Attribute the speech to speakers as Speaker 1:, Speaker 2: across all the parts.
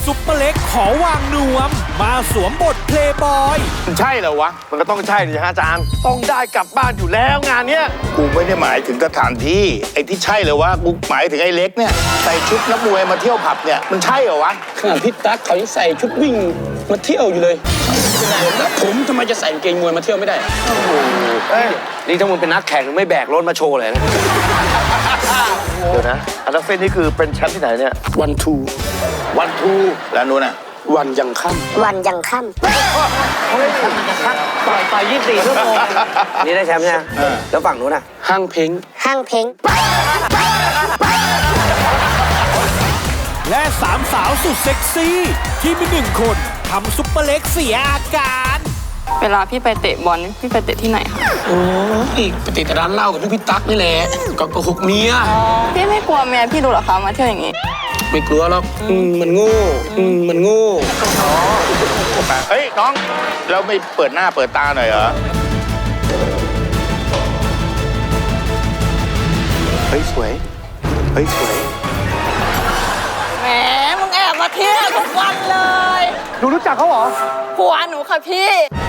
Speaker 1: ซุปเปอร์เล็กขอวางนวมมาสวมบทเพลย์บอย
Speaker 2: ใช่เหรอวะมันก็ต้องใช่ดิฮะอาจารย์ต้องได้กลับบ้านอยู่แล้วงานเนี้ยกูไม่ได้หมายถึงสถานที่ไอ้ที่ใช่เหรอวะกูหมายถึงไอ้เล็กเนี่ยใส่ชุดนักมวยมาเที่ยวผับเนี่ยมันใช่เหรอวะ
Speaker 3: ขนาดพี่ตั๊กเขายังใส่ชุดวิ่งมาเที่ยวอยู่เลยแล้วผมทำไมจะใส่กางเกงมวยมาเที่ยวไม่ได้โอ้โห
Speaker 4: นี่ถ้ามึงเป็นนักแข่งไม่แบกรถมาโชว์เลยนะ
Speaker 2: เดี๋ยวนะอันดับเฟนนี่คือเป็นแชมป์ที่ไหนเนี่ย
Speaker 3: วันทู
Speaker 2: แล้วนู้นน่ะ
Speaker 3: วันยังค่ำ
Speaker 5: วันยังค่
Speaker 4: ต่อย24 ชั่วโมงนี่ได้แชมป์ใช่ไหมแล้วฝั่งนู้นน่ะ
Speaker 3: ห้างเพ้ง
Speaker 5: ห้างเพ้ง
Speaker 1: และสามสาวสุดเซ็กซี่ที่มีหนึ่งคนทำซุปเปอร์เล็กเสียอาการ
Speaker 6: เวลาพี่ไปเตะบอลพี่ไปเตะที่ไหนคะ
Speaker 3: โอ้ยไปเตะแต่ร้านเหล้ากับพี่ตั๊กนี่แหละก็โกหกเมีย
Speaker 6: พี่ไม่กลัวเมียพี่ดูหรอคะมาเที่ยวอย่างนี้
Speaker 3: ไม่กลัวหรอกมันโง่มันโง่
Speaker 2: เฮ้ยน้องเราไม่เปิดหน้าเปิดตาหน่อยเหรอเฮ้ยสวย
Speaker 6: แหมมึงแอบมาเที่ยวทุกวันเลย
Speaker 2: หนูรู้จักเขาเหรอ
Speaker 6: ผัวหนูค่ะพี่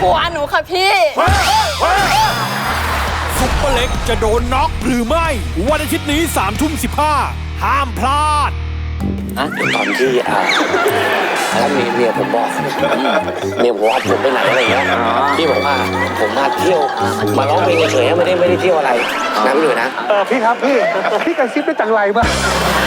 Speaker 1: ซุปเปอร์เล็กจะโดนน็อกหรือไม่วันอาทิตย์นี้3:15ห้ามพลาด
Speaker 4: ตอนที่แล้วเมียผมบอกเมียผมว่าผมไปไหนอะไรเงี้ยพี่บอกว่าผมมาเที่ยวมาร้องเพลงเฉยๆไม่ได้เที่ยวอะไรนะพี่หนุ่ยนะ
Speaker 7: พี่ครับพี่กระซิบได้จังไรป่ะ